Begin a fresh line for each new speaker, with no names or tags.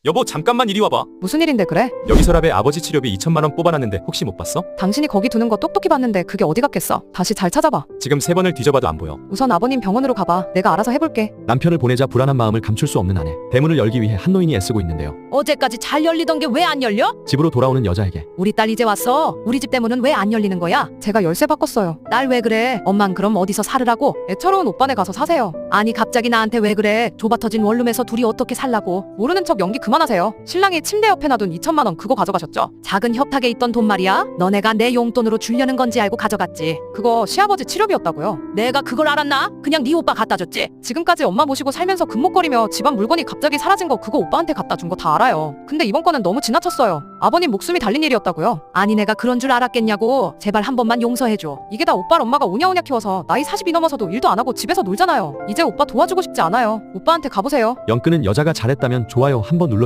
여보, 잠깐만 이리 와봐.
무슨 일인데 그래?
여기 서랍에 아버지 치료비 2천만 원 뽑아놨는데 혹시 못 봤어?
당신이 거기 두는 거 똑똑히 봤는데 그게 어디 갔겠어? 다시 잘 찾아봐.
지금 3번을 뒤져봐도 안 보여.
우선 아버님 병원으로 가봐. 내가 알아서 해볼게.
남편을 보내자 불안한 마음을 감출 수 없는 아내. 대문을 열기 위해 한 노인이 애쓰고 있는데요.
어제까지 잘 열리던 게 왜 안 열려?
집으로 돌아오는 여자에게
우리 딸 이제 왔어. 우리 집 대문은 왜 안 열리는 거야?
제가 열쇠 바꿨어요.
딸 왜 그래? 엄만 그럼 어디서 살으라고?
애처로운 오빠네 가서 사세요.
아니 갑자기 나한테 왜 그래? 좁아터진 원룸에서 둘이 어떻게 살라고?
모르는 척 연기 그만하세요. 신랑이 침대 옆에 놔둔 2천만 원 그거 가져가셨죠?
작은 협탁에 있던 돈 말이야? 너네가 내 용돈으로 주려는 건지 알고 가져갔지.
그거 시아버지 치료비였다고요.
내가 그걸 알았나? 그냥 네 오빠 갖다 줬지.
지금까지 엄마 모시고 살면서 금목거리며 집안 물건이 갑자기 사라진 거 그거 오빠한테 갖다 준 거 다 알아요. 근데 이번 건은 너무 지나쳤어요. 아버님 목숨이 달린 일이었다고요.
아니 내가 그런 줄 알았겠냐고. 제발 한 번만 용서해줘.
이게 다 오빠를 엄마가 오냐오냐 키워서 나이 40이 넘어서도 일도 안 하고 집에서 놀잖아요. 이제 오빠 도와주고 싶지 않아요. 오빠한테 가보세요.
영 끄는 여자가 잘했다면 좋아요 한번 눌러